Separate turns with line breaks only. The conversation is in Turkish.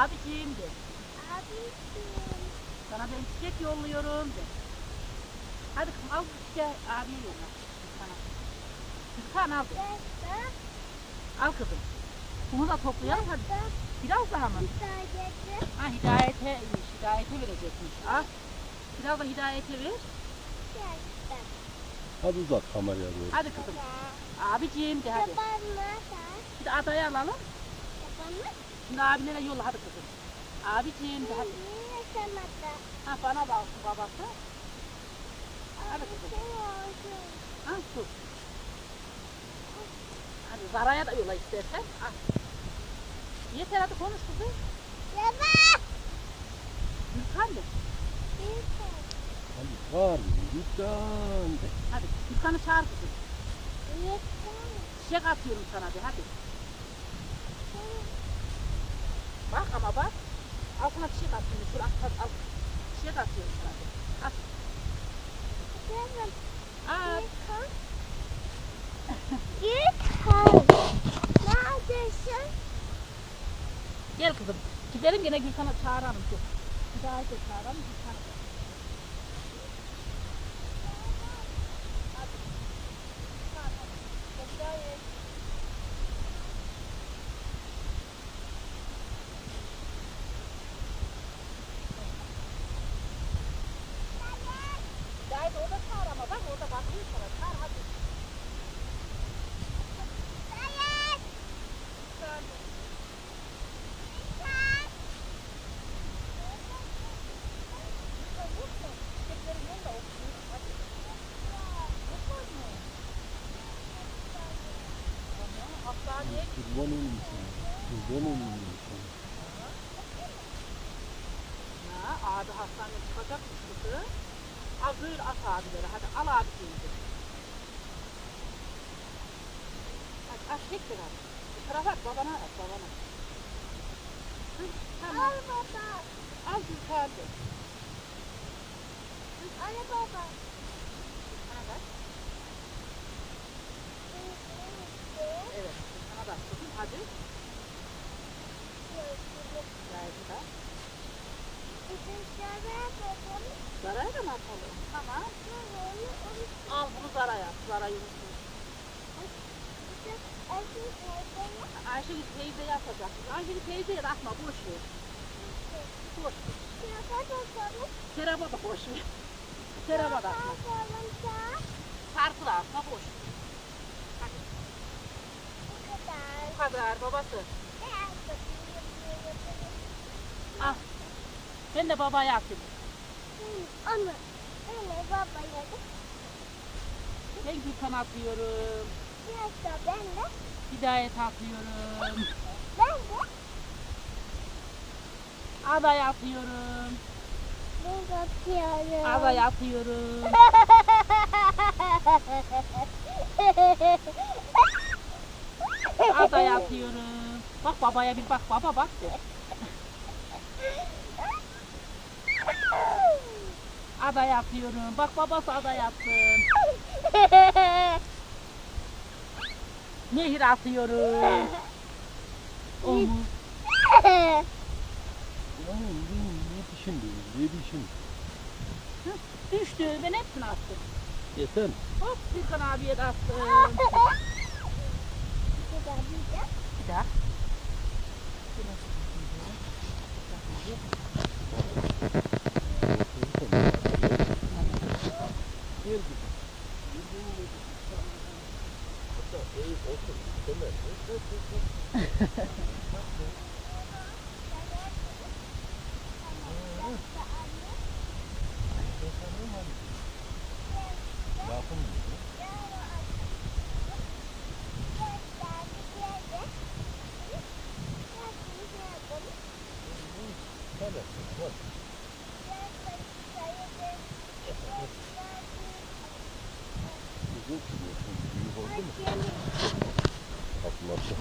Abiciğim de.
Abiciğim.
Sana ben çiçek yolluyorum de. Hadi kızım al bu çiçeği abiye yolla. Sana. Gülkan al de. Al kızım. Bunu da toplayalım hadi. Biraz daha mı? Ha hidayete verecekmiş. Al. Biraz da hidayete ver.
Hadi uzat kameraya doğru.
Hadi kızım. Abiciğim de hadi. Şimdi adayı alalım. Şimdi abinlere yolla hadi kızım. Abiciğim de hadi. Ha bana da alsın babası. Hadi kızım. Ha sus. Hadi Zara'ya da yolla istersen. Al. Yeter hadi konuş kızım. Gülkan de.
Hadi var mı? Lütfen de.
Hadi Gülkan'ı çağır kızım. Çiçek atıyorum sana de hadi. Bak ama bak. Al sana çiçek atıyorum. Şur al. Çiçek atıyorum sana de. At. At.
Neredesin?
Gel kızım. Gidelim gene Gülkan'ı çağıralım. Bir daha da çağıralım. Gülkan'ı. Hadi orada çağır ama bak orada bakıyor sana. Çağır hadi.
Kurban olayım sana. Kurban olayım sana.
Ya abi hastaneye çıkacakmış kızı. Al böyle at abileri hadi al abi şimdi. Hadi at tek bir at. Bu tarafa at babana at babana. Hı, tamam.
Al baba.
Al Gülkan de.
Al baba.
Sana bak. Evet sana bak kızım hadi. Gayet da. Zara'ya da mı atalım? Tamam. Al bunu Zara'ya at. Zara'yı unutma. Ayşegül teyzeye atacak. Ayşegül teyzeye de atma boş ver. Boş ver. Seraba da boş ver. Seraba da atma. Sarkı da atma boş ver. Hadi. Bu kadar babası. Al. Ben de babaya atayım.
Anne baba yedi.
Ben Gülkan atıyorum.
Yoksa ben de.
Hidayet atıyorum.
Ben de.
Aday atıyorum.
Ben atıyorum.
Aday atıyorum. Aday atıyorum. Bak babaya bir bak baba bak de. Aday atıyorum. Bak babası aday attın. Nehir atıyorum. Omuz.
Ne dişin diyor? Ne dişin?
Düştü. Ben hepsini attım.
Yeter.
Hop Gülkan abiye de attım. Bir daha.
Gel kızım. Hatta eğip otur. Temel. Lafım mı? Hadi. Bak. Güzel çiziyorsun. Büyük oldu mu? Atması.